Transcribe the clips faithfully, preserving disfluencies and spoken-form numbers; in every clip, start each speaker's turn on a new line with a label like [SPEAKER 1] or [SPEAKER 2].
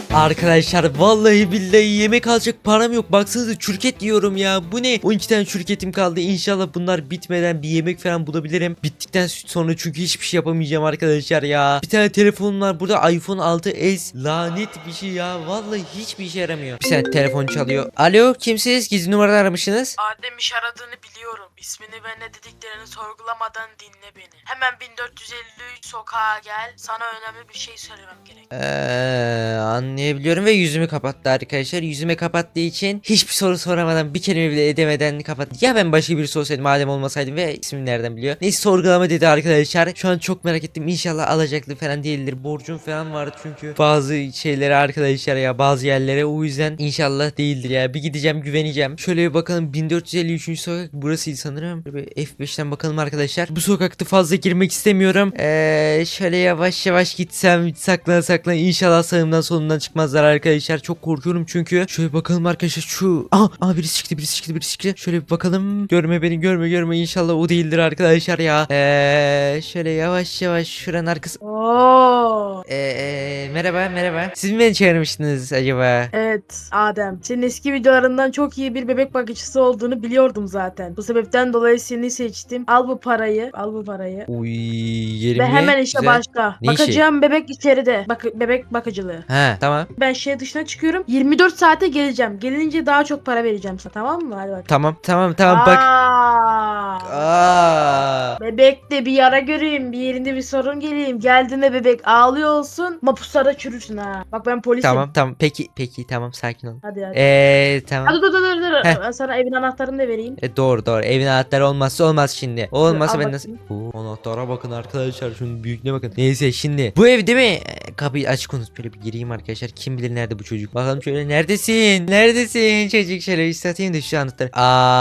[SPEAKER 1] Arkadaşlar vallahi billahi yemek alacak param yok. Baksanıza çürket diyorum ya. Bu ne? on iki tane çürketim kaldı. İnşallah bunlar bitmeden bir yemek falan bulabilirim. Bittikten sonra çünkü hiçbir şey yapamayacağım arkadaşlar ya. Bir tane telefonum var burada, iPhone altı S. Lanet bir şey ya. Vallahi hiçbir işe yaramıyor. Bir saniye, telefon çalıyor. Alo, kimsiniz? Gizli numaradan aramışsınız.
[SPEAKER 2] Adem iş aradığını biliyorum. İsmini ve ne dediklerini sorgulamadan dinle beni. Hemen bin dört yüz elli üç sokağa gel. Sana önemli bir şey söylemem gerek.
[SPEAKER 1] Eee anlayabiliyorum ve yüzümü kapattı arkadaşlar. Yüzüme kapattığı için hiçbir soru soramadan, bir kelime bile edemeden kapattı. Ya ben başka birisi olsaydım, madem olmasaydım, ve ismini nereden biliyor? Neyse, sorgulama dedi arkadaşlar. Şu an çok merak ettim. İnşallah alacaklı falan değildir. Borcum falan vardı çünkü bazı şeylere arkadaşlar ya, bazı yerlere, o yüzden inşallah değildir ya. Bir gideceğim, güveneceğim. Şöyle bir bakalım, bin dört yüz elli üçüncü sokak burasıydı sanırım. Şöyle bir F beşten bakalım arkadaşlar. Bu sokakta fazla girmek istemiyorum. Eee şöyle yavaş yavaş gitsem, saklan saklan, inşallah sağımdan solumdan çıkmazlar arkadaşlar. Çok korkuyorum çünkü. Şöyle bakalım arkadaşlar, şu aa, aa birisi çıktı birisi çıktı birisi çıktı. Şöyle bir bakalım. Görme beni, görme görme, inşallah o değildir arkadaşlar ya. Eee şöyle yavaş yavaş şuranın arkası.
[SPEAKER 2] Oo.
[SPEAKER 1] Eee merhaba merhaba. Siz mi beni çağırmıştınız acaba?
[SPEAKER 2] Evet Adem. Senin eski videolarından çok iyi bir bebek bakıcısı olduğunu biliyordum zaten. Bu sebepten dolayı seni seçtim. Al bu parayı. Al bu parayı.
[SPEAKER 1] Uy, yerim
[SPEAKER 2] Ve
[SPEAKER 1] ye.
[SPEAKER 2] hemen işe
[SPEAKER 1] Güzel.
[SPEAKER 2] başla.
[SPEAKER 1] Ne işi?
[SPEAKER 2] Bakacağım bebek içeride. Bak bebek bakıcılığı.
[SPEAKER 1] Ha tamam.
[SPEAKER 2] Ben şehir dışına çıkıyorum. yirmi dört saate geleceğim. Gelince daha çok para vereceğim sana, tamam mı? Hadi bak.
[SPEAKER 1] Tamam tamam tamam bak.
[SPEAKER 2] Aa.
[SPEAKER 1] Aa.
[SPEAKER 2] Bebekte bir yara göreyim, bir yerinde bir sorun geleyim. Geldiğinde bebek ağlıyor olsun, mapuslarda çürüsün ha. Bak ben polisim.
[SPEAKER 1] Tamam tamam, peki peki, tamam, sakin ol.
[SPEAKER 2] Hadi hadi.
[SPEAKER 1] Eee tamam.
[SPEAKER 2] Hadi dur dur dur dur.
[SPEAKER 1] Heh.
[SPEAKER 2] Ben sana evin anahtarını da vereyim.
[SPEAKER 1] E, doğru doğru, evin anahtarı olmazsa olmaz şimdi. O olmazsa
[SPEAKER 2] al
[SPEAKER 1] ben nasıl...
[SPEAKER 2] bakayım.
[SPEAKER 1] Oo, anahtara bakın arkadaşlar, şunun büyüklüğüne bakın. Neyse, şimdi bu ev değil mi? E, kapıyı açık unut, böyle bir gireyim arkadaşlar. Kim bilir nerede bu çocuk. Bakalım şöyle, neredesin? Neredesin çocuk? Şöyle bir satayım da şu anahtarı.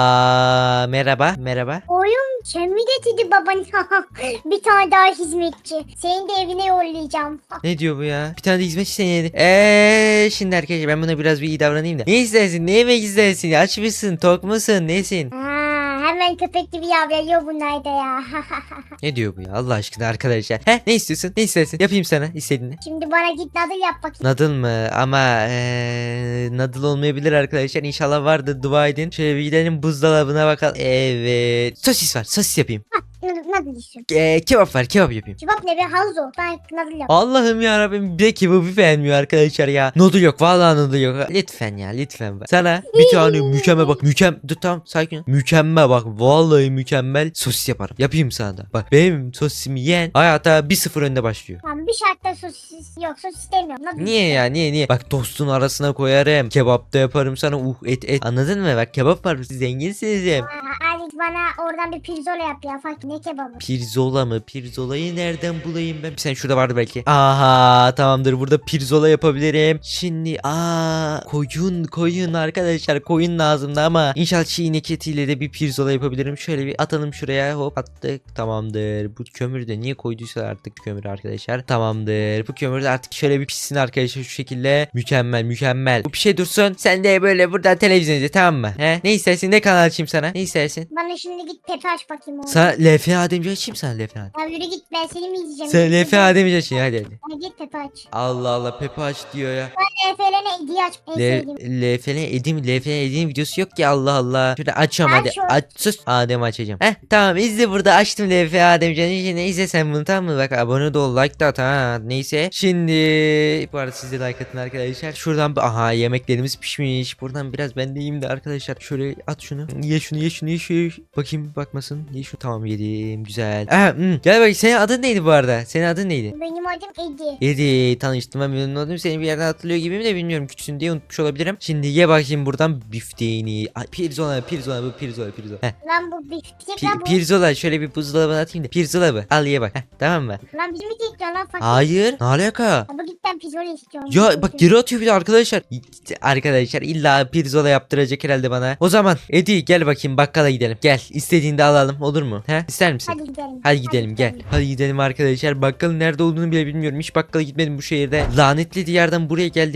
[SPEAKER 1] Aa merhaba merhaba.
[SPEAKER 3] Oğlum sen mi getirdi baban? Bir tane daha hizmetçi. Seni de evine yollayacağım.
[SPEAKER 1] Ne diyor bu ya? Bir tane de hizmetçi seni yedi. Eee şimdi arkadaşlar, ben buna biraz bir iyi davranayım da. Ne istersin? Ne yemek istersin? Aç mısın? Tok musun? Nesin?
[SPEAKER 3] Ha, hemen köpek gibi yavruluyor bunlar da ya.
[SPEAKER 1] Ne diyor bu ya? Allah aşkına arkadaşlar. Heh, ne istiyorsun? Ne istersin? Yapayım sana istediğini.
[SPEAKER 3] Şimdi bana git nadıl yap bakayım.
[SPEAKER 1] Nadıl mı? Ama eee nadıl olmayabilir arkadaşlar. İnşallah vardır, dua edin. Şöyle bir gidelim buzdolabına bakalım. Evet. Sosis var. Sosis yapayım.
[SPEAKER 3] Nadıl, nadıl istiyorum.
[SPEAKER 1] Eee kebap var. Kebap yapayım.
[SPEAKER 3] Kebap ne be Hanzo? Ben nadıl yap.
[SPEAKER 1] Allah'ım ya Rabbim, bir de kebabı beğenmiyor arkadaşlar ya. Noodle yok, vallahi noodle yok. Lütfen ya, lütfen bak. Sana bir tane mükemmel, bak mükemmel, dur tamam sakin ol. Mükemmel bak, vallahi mükemmel sosis yaparım. Yapayım sana da. Bak benim sosisimi yiyen hayata bir sıfır önde başlıyor.
[SPEAKER 3] Tamam bir şartla sosis yok sosis istemiyorum. Nadıl
[SPEAKER 1] Niye ya, niye niye? Bak tostun arasına koyarım. Kebap da yaparım sana, uh et et. Anladın mı? Bak kebap var, siz zenginsiniz hem.
[SPEAKER 3] Aa, Ali bana oradan bir pirzola yap ya. Fark ne kebabı?
[SPEAKER 1] Pirzola mı? Pirzolayı nereden bulayım ben? Sen şurada vardı belki. Aha tamamdır, burada pirzola yapabilirim. Şimdi aa koyun koyun arkadaşlar, koyun lazımdı ama inşallah çiğnek etiyle de bir pirzola yapabilirim. Şöyle bir atalım şuraya, hop attık, tamamdır. Bu kömürü de niye koyduysa artık kömür arkadaşlar. Tamamdır. Bu kömür de artık şöyle bir pişsin arkadaşlar, şu şekilde. Mükemmel mükemmel. Bu bir şey dursun. Sen de böyle buradan televizyon izle, tamam mı? He? Ne istersin? Ne kanal açayım sana? Ne istersin?
[SPEAKER 3] Bana şimdi git Pepe aç bakayım oğlum.
[SPEAKER 1] Sana L F Ademci açayım, sana L F Adem.
[SPEAKER 3] Ya yürü git ben seni mi izleyeceğim?
[SPEAKER 1] Sen L F Ademci açayım, hadi hadi.
[SPEAKER 3] Hadi git Pepe aç.
[SPEAKER 1] Allah Allah, Pepe aç diyor ya.
[SPEAKER 3] Ben Efe'lerine hediye aç. En sevdiğim.
[SPEAKER 1] L F N Edim L F N Edim videosu yok ki, Allah Allah. Şöyle açıyorum hadi.
[SPEAKER 3] Aç şu.
[SPEAKER 1] Aç sus. Adem açacağım. Heh tamam, izle, burada açtım L F Ademcan'ı. Ne izle sen bunu, tamam mı? Bak abone de ol, like de at ha. Neyse. Şimdi bu arada siz de like atın arkadaşlar. Şuradan bir, aha yemeklerimiz pişmiş. Buradan biraz ben de yiyeyim de arkadaşlar. Şöyle at şunu. Ye şunu ye şunu ye şunu. Bakayım bakmasın. Ye şunu. Tamam yedim. Güzel. Aha, hmm. Gel bak, senin adın neydi bu arada? Senin adın neydi?
[SPEAKER 3] Benim adım Edi.
[SPEAKER 1] Edi, tanıştığıma memnun oldum. Seni bir yerden hatırlıyor gibiyim de bilmiyorum. Küçüksün diye unutmuş olabilirim. Şimdi ye bakayım buradan bifteğini. Ay, pirzola pirzola bu pirzola pirzola. Heh.
[SPEAKER 3] Lan bu bir tek
[SPEAKER 1] Pi-
[SPEAKER 3] lan bu.
[SPEAKER 1] pirzola, şöyle bir buzdolabına atayım da. Pirzola bu. Al ye bak. Heh, tamam mı?
[SPEAKER 3] Lan bizim mi tek lan fakir?
[SPEAKER 1] Hayır. Ne alaka?
[SPEAKER 3] Ama git ben pizzola istiyorum.
[SPEAKER 1] Ya bak geri atıyor bir de arkadaşlar. Arkadaşlar illa pirzola yaptıracak herhalde bana. O zaman Edi gel bakayım, bakkala gidelim. Gel, istediğinde alalım, olur mu? He? İster misin?
[SPEAKER 3] Hadi gidelim.
[SPEAKER 1] Hadi gidelim gel. Hadi gidelim arkadaşlar. Bakkalın nerede olduğunu bile bilmiyorum. Hiç bakkala gitmedim bu şehirde. Lanetli diyardan buraya geldim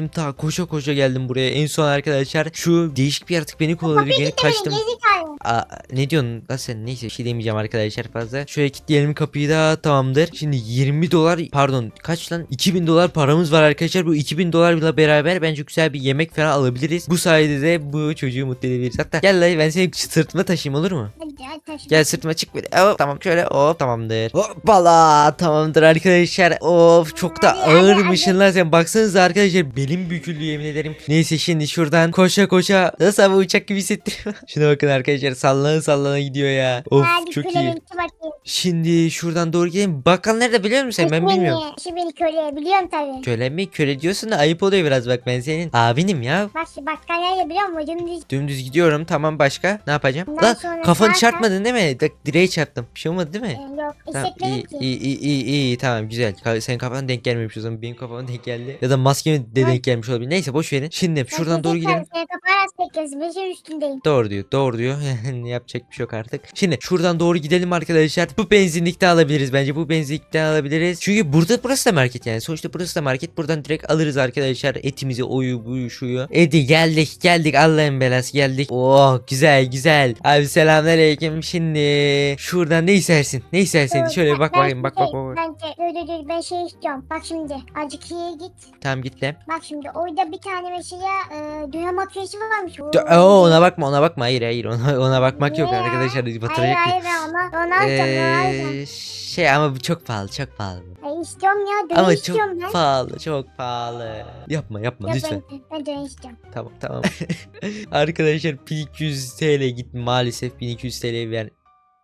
[SPEAKER 1] geldim ta koşa koşa geldim buraya. En son arkadaşlar şu değişik bir yaratık beni kovaladı.
[SPEAKER 3] Kapıyı
[SPEAKER 1] Beni
[SPEAKER 3] kilitlemeyin
[SPEAKER 1] kaçtım.
[SPEAKER 3] gerizekalı.
[SPEAKER 1] Aa, ne diyorsun lan sen? Neyse bir şey demeyeceğim arkadaşlar fazla. Şöyle kilitleyelim kapıyı da tamamdır. Şimdi yirmi dolar pardon kaç lan? iki bin dolar paramız var arkadaşlar. Bu iki bin dolarla beraber bence güzel bir yemek falan alabiliriz. Bu sayede de bu çocuğu mutlu edebiliriz. Hatta gel lan ben seni sırtıma taşıyayım olur mu?
[SPEAKER 3] Hadi hadi taşı.
[SPEAKER 1] Gel sırtıma çık böyle. Hop, tamam şöyle hop tamamdır. Hoppala tamamdır arkadaşlar. Of çok da
[SPEAKER 3] Hadi, hadi,
[SPEAKER 1] ağırmışsın lan sen. Baksanıza arkadaşlar belim büküldü yemin ederim. Neyse şimdi şuradan koşa koşa nasıl ama uçak gibi hissettiriyor. Şuna bakın arkadaşlar sallana sallana gidiyor ya. Of
[SPEAKER 3] Hadi
[SPEAKER 1] çok
[SPEAKER 3] köle
[SPEAKER 1] iyi.
[SPEAKER 3] beni bakayım.
[SPEAKER 1] Şimdi şuradan doğru gidelim. Bakkal nerede biliyor musun sen? Ben
[SPEAKER 3] Beni,
[SPEAKER 1] bilmiyorum.
[SPEAKER 3] Şu beni köle biliyorum tabii.
[SPEAKER 1] Köle mi? Köle diyorsun da ayıp oluyor biraz bak ben senin abinim ya.
[SPEAKER 3] Bak şu bakkal nerede biliyor musun? Dümdüz.
[SPEAKER 1] Dümdüz gidiyorum tamam başka ne yapacağım?
[SPEAKER 3] Ondan
[SPEAKER 1] Lan
[SPEAKER 3] sonra
[SPEAKER 1] kafanı
[SPEAKER 3] zaten-
[SPEAKER 1] çarpmadın değil mi? Dak, direğe çarptım. Bir şey olmadı değil mi?
[SPEAKER 3] Ee, yok
[SPEAKER 1] Tamam
[SPEAKER 3] hissetmedim
[SPEAKER 1] iyi,
[SPEAKER 3] ki.
[SPEAKER 1] iyi iyi iyi iyi tamam güzel. Ka- Senin kafana denk gelmemiş o zaman benim kafama denk geldi. Ya da maskeme de
[SPEAKER 3] Ay.
[SPEAKER 1] denk gelmiş olabilir. Neyse boş verin. Şimdi şuradan doğru gidelim.
[SPEAKER 3] Senin kafanı az bekliyorsun. Beşin üstündeyim.
[SPEAKER 1] Doğru diyor doğru diyor. Yani yapacak bir şey yok artık. Şimdi şuradan doğru gidelim arkadaşlar. Bu benzinlikte alabiliriz bence. Bu benzinlikte alabiliriz. Çünkü burada burası da market yani. Sonuçta burası da market. Buradan direkt alırız arkadaşlar. Etimizi oyu buyu şuyu. Edi geldik geldik Allah'ın belası geldik. Oh güzel güzel. Abi selamünaleyküm. Şimdi şuradan ne istersin? Ne istersin?
[SPEAKER 3] Dur,
[SPEAKER 1] Şöyle
[SPEAKER 3] ben-
[SPEAKER 1] bak
[SPEAKER 3] ben
[SPEAKER 1] bakayım bak
[SPEAKER 3] şey-
[SPEAKER 1] bak bak.
[SPEAKER 3] Bence dur dur dur ben şey istiyorum. Bak şimdi azıcık iyiye git.
[SPEAKER 1] Tamam git lan.
[SPEAKER 3] Bak şimdi orada bir tane mesela e, dünya makinesi varmış.
[SPEAKER 1] Dö- Oo, ona bakma ona bakma hayır hayır ona, ona bakmak yok
[SPEAKER 3] Niye ya?
[SPEAKER 1] arkadaşlar
[SPEAKER 3] Hayır
[SPEAKER 1] batıracak.
[SPEAKER 3] hayır ben ona onu alacağım onu alacağım.
[SPEAKER 1] Ee, şey ama bu çok pahalı çok pahalı.
[SPEAKER 3] Ay istiyorum ya döne
[SPEAKER 1] Ama
[SPEAKER 3] istiyorum
[SPEAKER 1] çok
[SPEAKER 3] ben.
[SPEAKER 1] pahalı çok pahalı. Yapma yapma
[SPEAKER 3] Ya
[SPEAKER 1] lütfen.
[SPEAKER 3] ben, ben döne istiyorum.
[SPEAKER 1] Tamam tamam. Arkadaşlar bin iki yüz T L gitti maalesef bin iki yüz T L ver.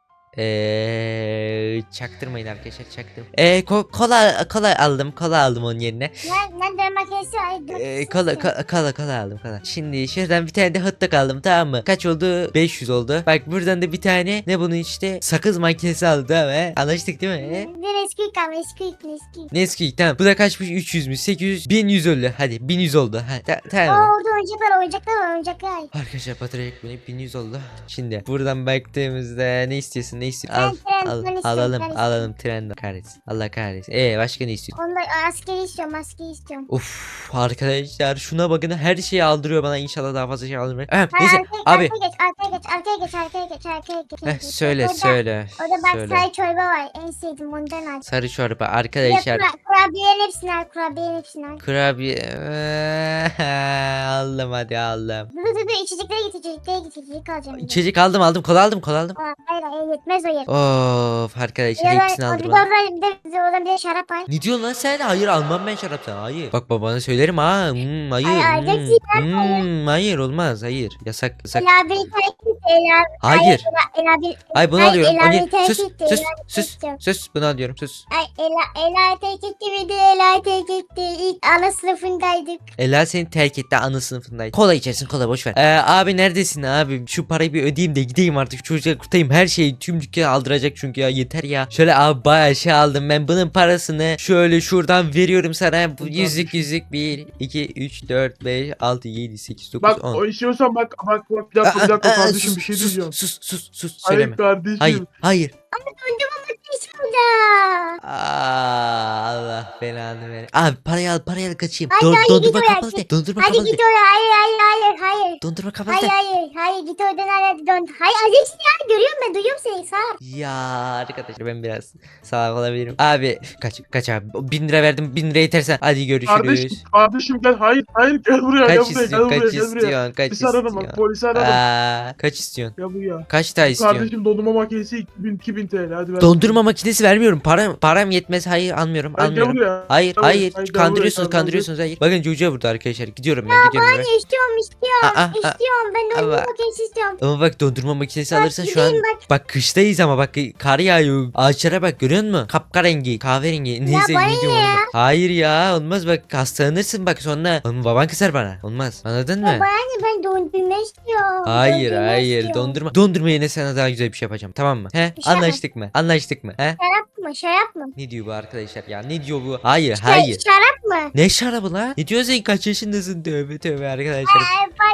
[SPEAKER 1] Eee çaktırmayın arkadaşlar çaktırmayın. Eee ko- kola kola aldım kola aldım onun yerine.
[SPEAKER 3] Ben, ben döne makinesi ay döne
[SPEAKER 1] Eee
[SPEAKER 3] makinesi
[SPEAKER 1] kola
[SPEAKER 3] istiyorum.
[SPEAKER 1] ko- kola kola aldım kola. Şimdi şuradan bir tane de hot dog aldım tamam mı? Kaç oldu? beş yüz oldu. Bak buradan da bir tane ne bunun işte sakız makinesi aldı tamam mı? Anlaştık değil mi? He?
[SPEAKER 3] Bir eski kaldı eski eski.
[SPEAKER 1] Nesquik tamam. Bu da kaçmış? üç yüz mü? sekiz yüz? bin yüz oldu. Hadi bin yüz oldu. Ha, ta-
[SPEAKER 3] Aa
[SPEAKER 1] tamam. mı?
[SPEAKER 3] orada oyuncaklar oyuncaklar var oyuncaklar.
[SPEAKER 1] Arkadaşlar batıracak beni bin yüz oldu. Şimdi buradan baktığımızda ne istiyorsun? Ne istiyorsun? Al,
[SPEAKER 3] Ben tren,
[SPEAKER 1] al
[SPEAKER 3] ben istiyorum,
[SPEAKER 1] alalım
[SPEAKER 3] ben
[SPEAKER 1] alalım tren kahretsin. Allah kahretsin. Ee başka ne istiyorsun?
[SPEAKER 3] Onda askeri istiyorum askeri istiyorum.
[SPEAKER 1] Uf arkadaşlar şuna bakın her şeyi aldırıyor bana inşallah daha fazla şey aldırmıyor. Ha,
[SPEAKER 3] Ha,
[SPEAKER 1] neyse
[SPEAKER 3] arkaya,
[SPEAKER 1] abi.
[SPEAKER 3] Arkaya geç arkaya geç arkaya geç arkaya geç arkaya geç.
[SPEAKER 1] Heh, söyle
[SPEAKER 3] Orada-
[SPEAKER 1] söyle.
[SPEAKER 3] Orada bak
[SPEAKER 1] söyle.
[SPEAKER 3] çay çorba var en sevdiğim ondan al.
[SPEAKER 1] Sarı çorba
[SPEAKER 3] Bir de
[SPEAKER 1] arkadaşlar.
[SPEAKER 3] kura- kurabiyelerin hepsini al kurabiyelerin hepsini al.
[SPEAKER 1] Kurabiye aldım hadi aldım.
[SPEAKER 3] Dur dur dur içeceklere git içeceklere git içecek alacağım. bir de.
[SPEAKER 1] İçecek aldım aldım kola aldım kola aldım.
[SPEAKER 3] Aa, hayır hayır yetmez o yer.
[SPEAKER 1] Of arkadaşlar
[SPEAKER 3] Ya
[SPEAKER 1] hepsini
[SPEAKER 3] da-
[SPEAKER 1] aldım.
[SPEAKER 3] bir de oradan bir de bir de oradan bir de şarap al.
[SPEAKER 1] Ne diyorsun lan sen? Hayır almam ben şarap sana. Hayır. Bak babana söylerim ha. Hmm, hayır.
[SPEAKER 3] Ay, ay,
[SPEAKER 1] hmm,
[SPEAKER 3] gerçekten
[SPEAKER 1] hmm, hayır olmaz. Hayır. Yasak yasak.
[SPEAKER 3] Ela bir terk et Ela.
[SPEAKER 1] Hayır.
[SPEAKER 3] Ela, Ela bir.
[SPEAKER 1] Ay bunu
[SPEAKER 3] Ay,
[SPEAKER 1] alıyorum.
[SPEAKER 3] Ela
[SPEAKER 1] O ne?
[SPEAKER 3] bir terk
[SPEAKER 1] Sus
[SPEAKER 3] etti,
[SPEAKER 1] sus
[SPEAKER 3] Ela bir
[SPEAKER 1] sus
[SPEAKER 3] terk
[SPEAKER 1] sus. Bunu alıyorum sus.
[SPEAKER 3] Ay Ela Ela terk etti bir de Ela terk etti. İlk ana sınıfındaydık.
[SPEAKER 1] Ela seni terk etti ana sınıfındaydı. Kola içersin kola boş ver. Ee, abi neredesin abi? Şu parayı bir ödeyeyim de gideyim artık. Şu çocuğa kurtarayım. Her şeyi tüm dükkanı aldıracak çünkü ya yeter ya. Şöyle abi bayağı şey aldım ben. Bunun parasını şöyle şuradan veriyorum sana. Bu yüzlük yüzlük bir iki üç dört beş altı yedi sekiz dokuz
[SPEAKER 4] Bak
[SPEAKER 1] on.
[SPEAKER 4] o istiyorsan bak bak bak bir dakika bir dakika
[SPEAKER 1] Aa, aa,
[SPEAKER 4] kardeşim
[SPEAKER 1] sus,
[SPEAKER 4] bir şey
[SPEAKER 1] sus,
[SPEAKER 4] diyeceğim.
[SPEAKER 1] Sus sus sus söyleme.
[SPEAKER 4] Hayır kardeşim.
[SPEAKER 1] Hayır hayır.
[SPEAKER 3] Dondurma makinesi burada.
[SPEAKER 1] Aa, Allah belanı ver. Abi parayı al parayı al kaçayım.
[SPEAKER 3] Hadi,
[SPEAKER 1] Don-
[SPEAKER 3] hadi,
[SPEAKER 1] dondurma
[SPEAKER 3] git oraya,
[SPEAKER 1] kapalı de.
[SPEAKER 3] git.
[SPEAKER 1] Dondurma
[SPEAKER 3] Hadi
[SPEAKER 1] kapalı de.
[SPEAKER 3] git oraya. Hayır hayır hayır hayır.
[SPEAKER 1] Dondurma kapalı
[SPEAKER 3] Hayır
[SPEAKER 1] de.
[SPEAKER 3] hayır hayır git oradan hadi dön. Hayır Azeksin ya görüyorum ben duyuyorum seni sağ.
[SPEAKER 1] Ya arkadaşlar ben biraz salak olabilirim. Abi kaç kaç abi. Bin lira verdim bin lira yetersen. Hadi görüşürüz.
[SPEAKER 4] Kardeşim kardeşim gel hayır hayır gel buraya
[SPEAKER 1] Kaç
[SPEAKER 4] gel buraya gel
[SPEAKER 1] istiyorsun
[SPEAKER 4] buraya
[SPEAKER 1] kaç
[SPEAKER 4] gel buraya.
[SPEAKER 1] istiyorsun kaç
[SPEAKER 4] Polisi ararım bak
[SPEAKER 1] istiyorsun.
[SPEAKER 4] polisi ararım.
[SPEAKER 1] Aa, kaç istiyorsun?
[SPEAKER 4] Gel buraya.
[SPEAKER 1] Kaç daha istiyorsun?
[SPEAKER 4] Kardeşim dondurma makinesi iki bin iki bin T L hadi ver.
[SPEAKER 1] Dondurma makinesi vermiyorum. Param param yetmez. Hayır almıyorum.
[SPEAKER 4] Hayır, gel
[SPEAKER 1] Almıyorum.
[SPEAKER 4] buraya.
[SPEAKER 1] Hayır
[SPEAKER 4] Gel
[SPEAKER 1] hayır.
[SPEAKER 4] buraya, hayır, gel
[SPEAKER 1] Kandırıyorsunuz
[SPEAKER 4] buraya, gel
[SPEAKER 1] kandırıyorsunuz hayır. Bakın çocuğa vurdu arkadaşlar. Gidiyorum ben gidiyorum ben.
[SPEAKER 3] Anne istiyorum istiyorum
[SPEAKER 1] Aa, aa,
[SPEAKER 3] istiyorum ben dondurma
[SPEAKER 1] ama-
[SPEAKER 3] makinesi istiyorum.
[SPEAKER 1] Ama bak dondurma makinesi
[SPEAKER 3] Bak,
[SPEAKER 1] alırsan şu an
[SPEAKER 3] gideyim bak.
[SPEAKER 1] bak kıştayız ama bak kar yağıyor. Ağaçlara bak görüyor musun? Kapkarengi, kahverengi. Neyse
[SPEAKER 3] bana
[SPEAKER 1] ne
[SPEAKER 3] ne
[SPEAKER 1] diyorum
[SPEAKER 3] ya?
[SPEAKER 1] onu bak. Hayır ya olmaz bak hastalanırsın bak sonra. Oğlum baban kızar bana. Olmaz. Anladın mı?
[SPEAKER 3] Ya bana ne ben dondurma istiyorum.
[SPEAKER 1] Hayır
[SPEAKER 3] Dondurma
[SPEAKER 1] hayır
[SPEAKER 3] istiyorum.
[SPEAKER 1] dondurma. Dondurma yerine sana daha güzel bir şey yapacağım tamam mı? He?
[SPEAKER 3] Bir şey
[SPEAKER 1] Anlaştık mı? Anlaştık mı? He?
[SPEAKER 3] Şarap mı şarap mı?
[SPEAKER 1] Ne diyor bu arkadaşlar ya? Ne diyor bu? Hayır
[SPEAKER 3] Şey,
[SPEAKER 1] hayır.
[SPEAKER 3] Şarap mı?
[SPEAKER 1] Ne şarabı la? Ne diyorsun sen kaç yaşındasın? Tövbe tövbe arkadaşlar.
[SPEAKER 3] Ay, pardon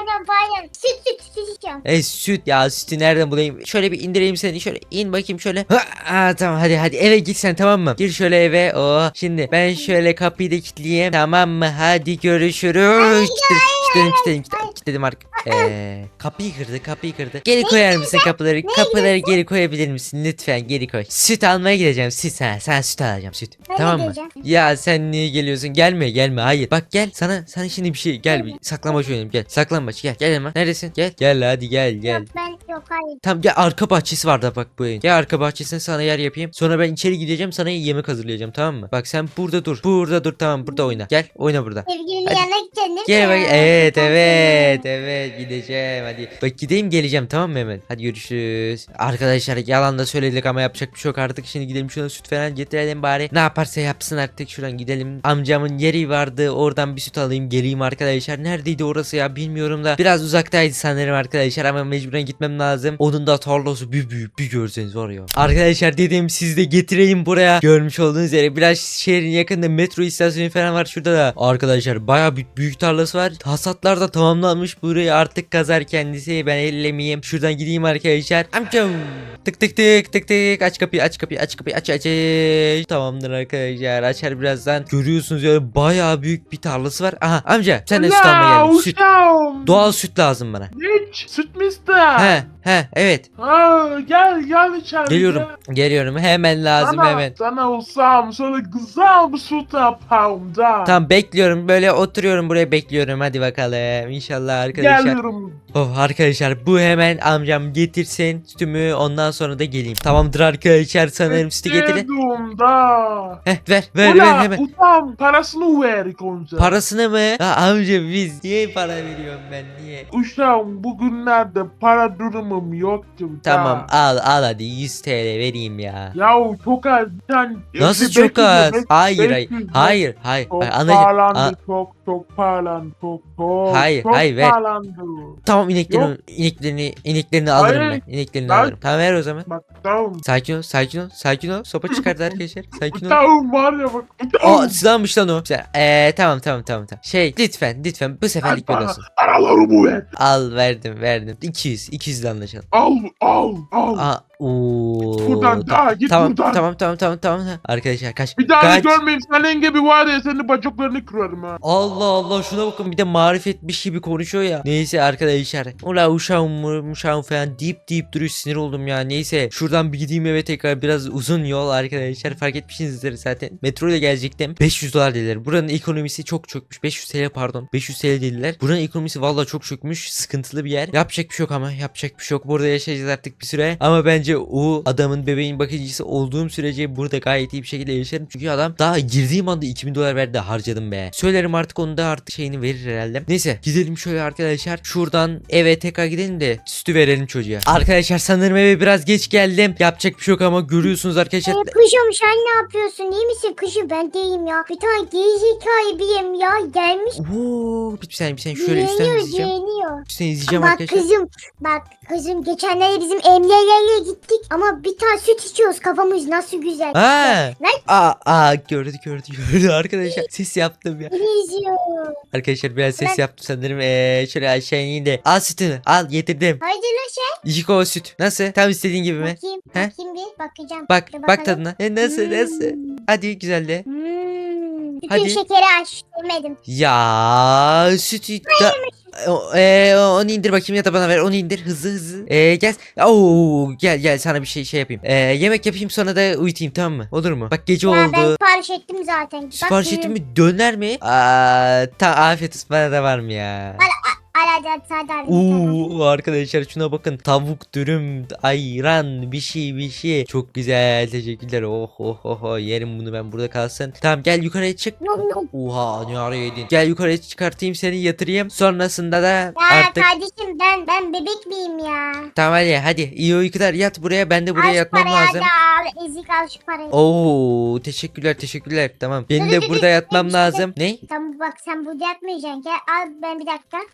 [SPEAKER 3] pardon pardon. Süt süt süt içiyorum.
[SPEAKER 1] E süt ya, sütü nereden bulayım? Şöyle bir indireyim seni, şöyle in bakayım şöyle. Ha, aa, tamam hadi hadi eve git sen, tamam mı? Gir şöyle eve. Oh, şimdi ben şöyle kapıyı da kilitleyeyim, tamam mı? Hadi görüşürüz. Kilitledim kilitledim kilitledim kilitledim artık. Ee, kapıyı kırdı kapıyı kırdı. Geri koyar mısın kapıları? Kapıları geri koyabilir misin lütfen, geri koy. Süt almaya gideceğim, süt sana, sen süt alacağım, süt.
[SPEAKER 3] Ben de
[SPEAKER 1] Tamam mı?
[SPEAKER 3] geleceğim.
[SPEAKER 1] Ya sen niye geliyorsun? Gelme gelme, hayır. Bak gel, sana sana şimdi bir şey, gel bir saklambaç oynayalım, gel. Saklambaç, gel gel hemen. Neredesin? Gel gel hadi gel gel.
[SPEAKER 3] Yok ben yok hayır.
[SPEAKER 1] Tamam gel, arka bahçesi var da bak bu evin. Gel arka bahçesine sana yer yapayım. Sonra ben içeri gideceğim, sana yemek hazırlayacağım, tamam mı? Bak sen burada dur. Burada dur, tamam, burada oyna. Gel oyna burada.
[SPEAKER 3] Sevgilimin
[SPEAKER 1] Hadi.
[SPEAKER 3] yanına gideceksin değil mi?
[SPEAKER 1] Gel bak, evet
[SPEAKER 3] Ben
[SPEAKER 1] evet
[SPEAKER 3] seni-
[SPEAKER 1] evet gideceğim hadi. Bak gideyim geleceğim, tamam mı hemen? Hadi görüşürüz. Arkadaşlar yalan da söyledik ama yapacak bir şey yok artık. Şimdi gidelim şuna süt falan getirelim bari. Ne yaparsa yapsın artık, şuradan gidelim. Amcamın yeri vardı, oradan bir süt alayım geleyim arkadaşlar. Neredeydi orası ya, bilmiyorum da. Biraz uzaktaydı sanırım arkadaşlar ama mecburen gitmem lazım. Onun da tarlası bir büyük, bir görseniz var ya. Arkadaşlar dedim siz de getireyim buraya. Görmüş olduğunuz üzere biraz şehrin yakında metro istasyonu falan var şurada da. Arkadaşlar bayağı büyük, büyük tarlası var. Hasatlar da tamamlanmış, burayı artık kazar kendisi. Ben ellemeyeyim. Şuradan gideyim arkadaşlar. Amcam. Tık tık tık tık tık. Aç kapıyı aç kapıyı aç kapıyı aç aç. aç. Tamamdır arkadaşlar. Açar birazdan. Görüyorsunuz ya, bayağı büyük bir tarlası var. Aha amca sen de süt almaya geldin. Süt.
[SPEAKER 4] uşağım.
[SPEAKER 1] Doğal süt lazım bana.
[SPEAKER 4] Hiç. Süt mü ister?
[SPEAKER 1] He he evet.
[SPEAKER 4] Ha, gel gel içeri.
[SPEAKER 1] Geliyorum.
[SPEAKER 4] gel.
[SPEAKER 1] Geliyorum. Hemen lazım
[SPEAKER 4] Sana,
[SPEAKER 1] hemen.
[SPEAKER 4] Sana uşağım şöyle güzel bir süt yapalım da.
[SPEAKER 1] Tamam bekliyorum. Böyle oturuyorum buraya bekliyorum. Hadi bakalım. İnşallah arkadaşlar.
[SPEAKER 4] Geliyorum.
[SPEAKER 1] Oh arkadaşlar bu hemen amcam getirsin sütümü, ondan sonra da geleyim. Tamamdır arkadaşlar, sanırım sütü getirin.
[SPEAKER 4] Bekledim da.
[SPEAKER 1] Heh ver ver ver
[SPEAKER 4] Ulan
[SPEAKER 1] hemen.
[SPEAKER 4] uşağım parasını ver önce.
[SPEAKER 1] Parasını mı? Ya amca biz niye para veriyorum ben, niye?
[SPEAKER 4] Uşağım bugünlerde para durumum yoktu. da.
[SPEAKER 1] Tamam al al hadi yüz T L vereyim ya.
[SPEAKER 4] Yahu çok az. Bir tane,
[SPEAKER 1] Nasıl
[SPEAKER 4] beş
[SPEAKER 1] çok
[SPEAKER 4] yüz,
[SPEAKER 1] az?
[SPEAKER 4] beş-
[SPEAKER 1] Hayır
[SPEAKER 4] beş
[SPEAKER 1] hayır
[SPEAKER 4] yüz,
[SPEAKER 1] hayır hayır.
[SPEAKER 4] Çok
[SPEAKER 1] Hayır, anlayacağım.
[SPEAKER 4] pahalandı
[SPEAKER 1] Aa,
[SPEAKER 4] çok çok pahalandı çok çok.
[SPEAKER 1] Hayır,
[SPEAKER 4] çok
[SPEAKER 1] hayır, ver.
[SPEAKER 4] pahalandı.
[SPEAKER 1] tamam ineklerini
[SPEAKER 4] Yok.
[SPEAKER 1] ineklerini ineklerini alırım
[SPEAKER 4] Hayır.
[SPEAKER 1] ben. İneklerini
[SPEAKER 4] Ben-
[SPEAKER 1] alırım. Tamam ver o zaman.
[SPEAKER 4] Bak tamam.
[SPEAKER 1] Sakin ol sakin ol sakin ol. Sopa çıkardı arkadaşlar.
[SPEAKER 4] Bu
[SPEAKER 1] Sakin ol.
[SPEAKER 4] tavuğum var ya bak. Bu
[SPEAKER 1] Aa
[SPEAKER 4] tavuğum.
[SPEAKER 1] silahmış lan o. Güzel. Eee tamam tamam tamam tamam. Şey lütfen lütfen bu seferlik böyle
[SPEAKER 4] Bana
[SPEAKER 1] olsun.
[SPEAKER 4] Paralarımı ver.
[SPEAKER 1] Al verdim verdim. iki yüz iki yüz ile anlaşalım.
[SPEAKER 4] Al al al.
[SPEAKER 1] Aa ooo.
[SPEAKER 4] Buradan daha git
[SPEAKER 1] Tamam
[SPEAKER 4] buradan.
[SPEAKER 1] tamam tamam tamam tamam. Arkadaşlar kaç.
[SPEAKER 4] Bir daha
[SPEAKER 1] kaç.
[SPEAKER 4] görmeyeyim senin gibi var ya senin bacaklarını kırarım ha.
[SPEAKER 1] Allah Allah şuna bakın, bir de marifetmiş gibi konuşuyor ya. Neyse arkadaşlar. Ula uşağım uşağım falan deyip deyip duruyor, sinir oldum ya. Neyse şuradan bir gideyim eve tekrar, biraz uzun yol arkadaşlar, fark etmişsinizdir zaten. Metro ile gelecektim. beş yüz dolar dediler. Buranın ekonomisi çok çökmüş. beş yüz T L pardon. beş yüz T L dediler. Buranın ekonomisi vallahi çok çökmüş. Sıkıntılı bir yer. Yapacak bir şey yok ama yapacak bir şey yok. Burada yaşayacağız artık bir süre. Ama bence o adamın bebeğin bakıcısı olduğum sürece burada gayet iyi bir şekilde yaşarım. Çünkü adam daha girdiğim anda iki bin dolar verdi, harcadım be. Söylerim artık, onu da artık şeyini verir herhalde. Neyse gidelim şöyle arkadaşlar. Şuradan eve tekrar gidelim de sütü verelim çocuğa. Arkadaşlar sanırım eve biraz geç geldim. Yapacak bir şey yok ama görüyorsunuz arkadaşlar.
[SPEAKER 3] Ee, kuşum sen ne yapıyorsun? İyi misin kuşum? Ben deyim ya. Bir tane gerizekalı biriyim ya. Gelmiş.
[SPEAKER 1] Oo, bir saniye bir saniye şöyle üstten
[SPEAKER 3] Beğeniyor
[SPEAKER 1] izleyeceğim.
[SPEAKER 3] beğeniyor.
[SPEAKER 1] Üstten izleyeceğim
[SPEAKER 3] Bak
[SPEAKER 1] arkadaşlar.
[SPEAKER 3] kızım. Bak kızım geçenlerde bizim emniyelerle gittik. Ama bir tane süt içiyoruz. Kafamız nasıl güzel.
[SPEAKER 1] Ha.
[SPEAKER 3] Lan
[SPEAKER 1] Aa, aa gördü gördü gördü arkadaşlar. Ses yaptım ya.
[SPEAKER 3] beni izliyor.
[SPEAKER 1] Arkadaşlar biraz ses
[SPEAKER 3] Ben-
[SPEAKER 1] yaptım sanırım. Ee, şöyle aşağı ineyim de. Al sütünü al, getirdim.
[SPEAKER 3] Haydi lan sen.
[SPEAKER 1] İki kova süt. Nasıl? Tam istediğin gibi mi?
[SPEAKER 3] Bakayım.
[SPEAKER 1] He?
[SPEAKER 3] Bakayım bir. Bakacağım.
[SPEAKER 1] Bak
[SPEAKER 3] Bir
[SPEAKER 1] bak
[SPEAKER 3] bakalım.
[SPEAKER 1] tadına. E, nasıl nasıl?
[SPEAKER 3] Hmm.
[SPEAKER 1] Hadi güzel de.
[SPEAKER 3] Hmm. Bütün
[SPEAKER 1] Hadi.
[SPEAKER 3] şekeri aç. Yemedim.
[SPEAKER 1] Ya sütü da... O- e, onu indir bakayım ya da bana ver, onu indir hızlı hızlı. E, gel. Oo, gel gel sana bir şey şey yapayım. E, yemek yapayım sonra da uyutayım, tamam mı? Olur mu? Bak gece
[SPEAKER 3] Ya ben
[SPEAKER 1] oldu.
[SPEAKER 3] sipariş ettim zaten. Bak,
[SPEAKER 1] Sipariş
[SPEAKER 3] buyur.
[SPEAKER 1] ettin mi? Döner mi? Aa, ta afiyet olsun, bana da var mı ya?
[SPEAKER 3] Al hadi hadi hadi. hadi, hadi.
[SPEAKER 1] Oo arkadaşlar şuna bakın, tavuk dürüm, ayran, bir şey bir şey, çok güzel, teşekkürler. Oh oh oh, oh. Yerim bunu ben, burada kalsın. Tamam gel yukarıya çık.
[SPEAKER 3] Nom nom.
[SPEAKER 1] Oha ne ara yedin? Gel yukarıya çıkartayım seni, yatırayım. Sonrasında da
[SPEAKER 3] Ya
[SPEAKER 1] artık
[SPEAKER 3] kardeşim ben ben bebek miyim ya?
[SPEAKER 1] tamam hadi hadi iyi uykular, yat buraya, ben de buraya
[SPEAKER 3] Al şu
[SPEAKER 1] yatmam
[SPEAKER 3] parayı
[SPEAKER 1] lazım.
[SPEAKER 3] hadi al. Ezik al şu parayı.
[SPEAKER 1] Oo teşekkürler teşekkürler, tamam benim de burada yatmam lazım. Ne?
[SPEAKER 3] Tamam bak sen burada yatmayacaksın. Gel al ben bir dakika. Bir dakika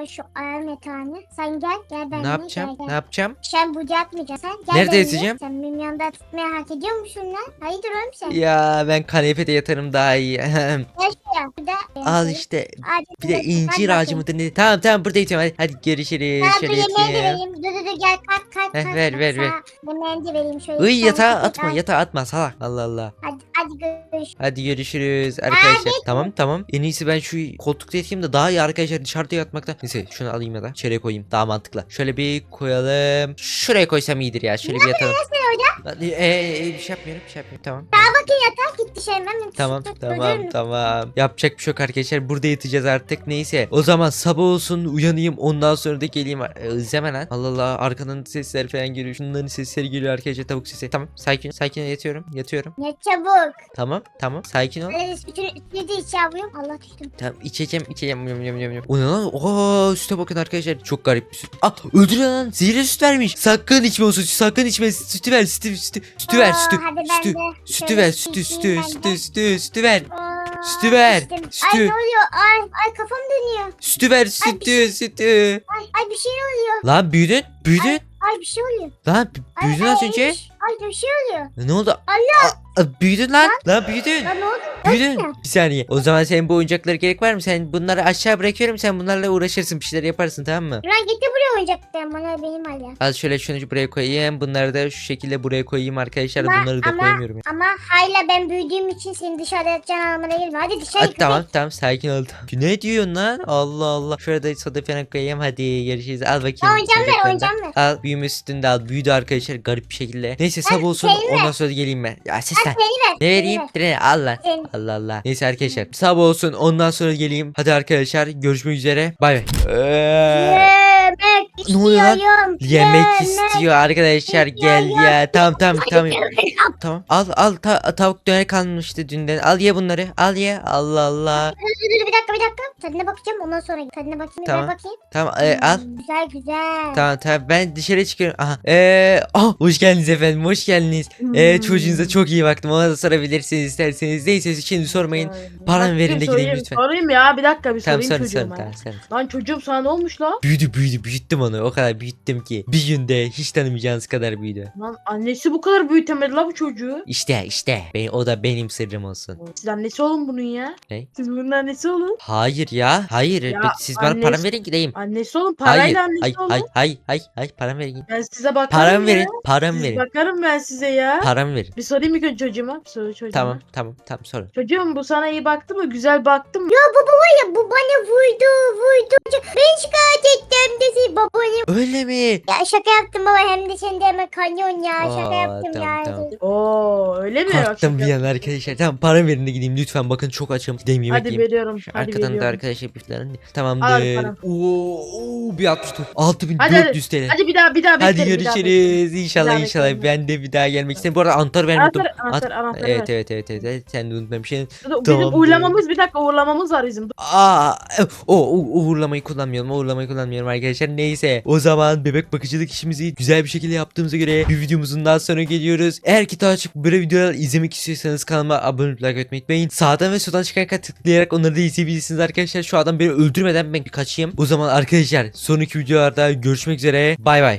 [SPEAKER 3] Al şu ayağım yatağını. Sen gel. Gel benimle.
[SPEAKER 1] Ne yapacağım?
[SPEAKER 3] Gel,
[SPEAKER 1] Ne
[SPEAKER 3] gel.
[SPEAKER 1] yapacağım?
[SPEAKER 3] Sen burada yatmayacaksın. Sen gel
[SPEAKER 1] Nerede
[SPEAKER 3] benimle.
[SPEAKER 1] yatacağım?
[SPEAKER 3] Sen benim yanımda tutmaya hak ediyor musun lan? Hayırdır oğlum sen?
[SPEAKER 1] Ya ben kanepede yatarım daha iyi.
[SPEAKER 3] Gel şuraya. Burada.
[SPEAKER 1] Al işte.
[SPEAKER 3] Hadi,
[SPEAKER 1] Bir de
[SPEAKER 3] hadi,
[SPEAKER 1] incir
[SPEAKER 3] hadi
[SPEAKER 1] ağacı mıdır ne? Tamam tamam burada yatıyorum hadi. Hadi görüşürüz.
[SPEAKER 3] bakayım.
[SPEAKER 1] Şöyle
[SPEAKER 3] Ben bu yemeği de
[SPEAKER 1] yatayım.
[SPEAKER 3] vereyim. Dur dur dur gel kalk kalk.
[SPEAKER 1] Heh,
[SPEAKER 3] kalk,
[SPEAKER 1] ver,
[SPEAKER 3] kalk.
[SPEAKER 1] ver, ver.
[SPEAKER 3] Sana yemeğini de vereyim şöyle.
[SPEAKER 1] Iy
[SPEAKER 3] Sen
[SPEAKER 1] yatağa
[SPEAKER 3] git,
[SPEAKER 1] atma
[SPEAKER 3] al.
[SPEAKER 1] yatağa atma salak. Allah Allah.
[SPEAKER 3] Hadi hadi görüş.
[SPEAKER 1] Hadi görüşürüz arkadaşlar.
[SPEAKER 3] Abi.
[SPEAKER 1] Tamam tamam. En iyisi ben şu koltukta yatayım da daha iyi arkadaşlar dışarıda yatmakta. Neyse şunu alayım ya da içeriye koyayım. Daha mantıklı. Şöyle bir koyalım. Şuraya koysam iyidir ya. Şöyle bir yatalım. Hadi, e, e, bir şey yapmıyorum bir şey yapmıyorum. Tamam.
[SPEAKER 3] Bakın yatağa git dışarı hemen.
[SPEAKER 1] Tamam
[SPEAKER 3] Tut,
[SPEAKER 1] tamam
[SPEAKER 3] dur.
[SPEAKER 1] tamam. Yapacak bir şey yok arkadaşlar. Burada yatacağız artık. Neyse. O zaman sabah olsun uyanayım. Ondan sonra da geleyim. Ee, İzleme lan. Allah Allah. Arkadan sesler falan geliyor. Şunların sesleri geliyor arkadaşlar. Tavuk sesi. Tamam. Sakin. Sakin ol, yatıyorum. Yatıyorum.
[SPEAKER 3] Ne çabuk.
[SPEAKER 1] Tamam. Tamam. Sakin ol.
[SPEAKER 3] Öyle bütün üstüne de içiyorum. Allah düştüm.
[SPEAKER 1] Tamam. içeceğim. içeceğim. Yum, yum, yum, yum. O ne lan? Oo, süte bakın arkadaşlar. Çok garip bir süt. Ah öldürüyor lan. Zehirli süt vermiş. Sakın içme o sütü. Sakın içme. Sütü ver. Sütü. Sütü. Sütü ver.
[SPEAKER 3] Aa,
[SPEAKER 1] Sütü.
[SPEAKER 3] hadi ben
[SPEAKER 1] Sütü.
[SPEAKER 3] de
[SPEAKER 1] Sütü
[SPEAKER 3] şöyle
[SPEAKER 1] ver. Sütü.
[SPEAKER 3] içeyim
[SPEAKER 1] Sütü.
[SPEAKER 3] ben de.
[SPEAKER 1] Sütü. Sütü. Sütü ver.
[SPEAKER 3] Aa,
[SPEAKER 1] Sütü ver,
[SPEAKER 3] içtim.
[SPEAKER 1] sütü.
[SPEAKER 3] Ay ne oluyor? Ay ay kafam dönüyor.
[SPEAKER 1] Sütü ver. Sütü. Sütü.
[SPEAKER 3] Ay ay bir şey oluyor.
[SPEAKER 1] Lan büyüdün. Büyüdün.
[SPEAKER 3] Ay bir şey oluyor.
[SPEAKER 1] Lan b-
[SPEAKER 3] Ay,
[SPEAKER 1] büyüdün
[SPEAKER 3] ay,
[SPEAKER 1] az önce.
[SPEAKER 3] ay, Ay bir şey oluyor.
[SPEAKER 1] Ne oldu?
[SPEAKER 3] Allah.
[SPEAKER 1] Aa, aa, büyüdün lan. Lan büyüdün.
[SPEAKER 3] Lan ne oldu?
[SPEAKER 1] Büyüdün.
[SPEAKER 3] Nasıl?
[SPEAKER 1] Bir saniye. O zaman senin bu oyuncaklara gerek var mı? Sen bunları aşağı bırakıyorum. Sen bunlarla uğraşırsın. Bir şeyler yaparsın tamam mı?
[SPEAKER 3] Lan gitti buraya oyuncaklar. Bana benim hala.
[SPEAKER 1] Al şöyle şunu buraya koyayım. Bunları da şu şekilde buraya koyayım arkadaşlar.
[SPEAKER 3] Ama-
[SPEAKER 1] Bunları da
[SPEAKER 3] ama-
[SPEAKER 1] koymuyorum. Ya.
[SPEAKER 3] Ama hala ben büyüdüğüm için seni dışarıda yatacağın anlamına gelmiyor. Hadi dışarı
[SPEAKER 1] Hadi
[SPEAKER 3] git.
[SPEAKER 1] tamam tamam sakin ol. Tamam. Ne diyorsun lan? Allah Allah. Şurada soda falan koyayım. Hadi görüşürüz. Al bakayım.
[SPEAKER 3] Oyuncağım ver,
[SPEAKER 1] oyuncaklarını da.
[SPEAKER 3] oyuncağım ver.
[SPEAKER 1] Al büyüme sütünde al. Büyüdü arkadaşlar garip bir şekilde. Neyse sabah olsun.
[SPEAKER 3] seni ver.
[SPEAKER 1] Ondan sonra geleyim ben. Ya ses
[SPEAKER 3] Hadi
[SPEAKER 1] lan.
[SPEAKER 3] seni ver.
[SPEAKER 1] Ne
[SPEAKER 3] seni
[SPEAKER 1] vereyim?
[SPEAKER 3] ver.
[SPEAKER 1] Direne al lan.
[SPEAKER 3] Seni.
[SPEAKER 1] Allah Allah. Neyse arkadaşlar sabah olsun ondan sonra geleyim. Hadi arkadaşlar görüşmek üzere. Bay bay. Ee,
[SPEAKER 3] Yemek
[SPEAKER 1] Ne oluyor lan?
[SPEAKER 3] istiyorum.
[SPEAKER 1] Yemek istiyor arkadaşlar gel ya. Tamam tamam tamam. Tamam. Al al ta- tavuk döner kalmıştı dünden. Al ye bunları. Al ye. Allah Allah.
[SPEAKER 3] Dur dur dur bir dakika bir dakika. Tadına bakacağım ondan sonra tadına bakayım.
[SPEAKER 1] Tamam.
[SPEAKER 3] Ver bakayım.
[SPEAKER 1] Tamam e, al.
[SPEAKER 3] Hmm, güzel güzel.
[SPEAKER 1] Tamam tamam ben dışarı çıkıyorum. Aha. Eee ah, hoş geldiniz efendim. Hoş geldiniz. Ee,
[SPEAKER 3] Hmm.
[SPEAKER 1] çocuğunuza çok iyi baktım. Ona da sorabilirsiniz isterseniz. Neyse şimdi sormayın. Paramı verin de gideyim
[SPEAKER 5] sorayım,
[SPEAKER 1] lütfen.
[SPEAKER 5] Sorayım ya bir dakika bir
[SPEAKER 1] Tamam
[SPEAKER 5] sorayım
[SPEAKER 1] sorun sorun
[SPEAKER 5] çocuğuma.
[SPEAKER 1] tamam sorun.
[SPEAKER 5] Lan çocuğum sana ne olmuş lan?
[SPEAKER 1] Büyüdü büyüdü büyüttüm onu. O kadar büyüttüm ki. Bir günde hiç tanımayacağınız kadar büyüdü.
[SPEAKER 5] Lan annesi bu kadar büyütemedi la bu çocuğu.
[SPEAKER 1] İşte işte. Ben, o da benim sırrım olsun.
[SPEAKER 5] Siz annesi olun bunun ya.
[SPEAKER 1] Ne?
[SPEAKER 5] Siz bunun annesi olun.
[SPEAKER 1] Hayır ya. Hayır.
[SPEAKER 5] Ya,
[SPEAKER 1] Ben- Siz bana
[SPEAKER 5] annesi-
[SPEAKER 1] param verin gideyim.
[SPEAKER 5] Annesi olun
[SPEAKER 1] Hayır.
[SPEAKER 5] parayla annesi
[SPEAKER 1] Hayır,
[SPEAKER 5] olun.
[SPEAKER 1] hayır, hayır, hayır, hayır, param verin.
[SPEAKER 5] Ben size bakarım
[SPEAKER 1] Param
[SPEAKER 5] ya.
[SPEAKER 1] verin, param
[SPEAKER 5] Siz
[SPEAKER 1] verin.
[SPEAKER 5] bakarım ben size ya.
[SPEAKER 1] Param verin.
[SPEAKER 5] Bir sorayım ilk önce çocuğuma. Bir soru çocuğuma.
[SPEAKER 1] Tamam, tamam, tamam sorun.
[SPEAKER 5] Çocuğum bu sana iyi baktı mı? Güzel baktı mı?
[SPEAKER 3] Ya baba var ya bu bana vurdu vurdu. Ben şikayet ettim dedi babanı.
[SPEAKER 1] Öyle mi?
[SPEAKER 3] Ya şaka yaptım baba hem de sen de hemen kanyon ya şaka
[SPEAKER 1] Aa,
[SPEAKER 3] yaptım
[SPEAKER 1] tamam,
[SPEAKER 3] ya.
[SPEAKER 1] tamam.
[SPEAKER 5] Oo öyle mi?
[SPEAKER 1] Korktum bir
[SPEAKER 5] Şaka-
[SPEAKER 1] an arkadaşlar. Tamam param verin de gideyim lütfen. Bakın çok açım. Gideyim yemek
[SPEAKER 5] Hadi
[SPEAKER 1] yiyeyim.
[SPEAKER 5] veriyorum.
[SPEAKER 1] Şu
[SPEAKER 5] Hadi
[SPEAKER 1] arkadan da
[SPEAKER 5] veriyorum.
[SPEAKER 1] arkadaşlar bir falan.
[SPEAKER 5] Al
[SPEAKER 1] Tamamdır.
[SPEAKER 5] param.
[SPEAKER 1] Oo, oo, bir altmış dört. altı bin
[SPEAKER 5] Hadi,
[SPEAKER 1] dört yüz T L.
[SPEAKER 5] Hadi bir daha bir daha
[SPEAKER 1] Hadi
[SPEAKER 5] beklerim, bir daha beklerim.
[SPEAKER 1] görüşürüz.
[SPEAKER 5] Bir
[SPEAKER 1] İnşallah
[SPEAKER 5] daha
[SPEAKER 1] inşallah.
[SPEAKER 5] beklerim.
[SPEAKER 1] Ben de bir daha gelmek istedim. Bu arada anahtar vermeyi unuttum.
[SPEAKER 5] Anahtar, anahtar,
[SPEAKER 1] At-
[SPEAKER 5] anahtar
[SPEAKER 1] Evet
[SPEAKER 5] ver.
[SPEAKER 1] evet evet evet. evet. Sen de unutmamışsın.
[SPEAKER 5] Bizim
[SPEAKER 1] Tamamdır.
[SPEAKER 5] uğurlamamız bir dakika uğurlamamız var bizim.
[SPEAKER 1] Aa, o, o uğurlamayı kullanmıyorum. Uğurlamayı kullanmıyorum arkadaşlar. Neyse. O zaman bebek bakıcılık işimizi güzel bir şekilde yaptığımıza göre bir videomuzun daha sonra geliyoruz. Eğer ki daha çok böyle videolar izlemek istiyorsanız kanalıma abone olup like etmeyi unutmayın. Sağdan ve soldan çıkan ekran tıklayarak onları da izleyebilirsiniz arkadaşlar. Şu adam beni öldürmeden ben bir kaçayım. O zaman arkadaşlar sonraki videolarda görüşmek üzere. Bay bay.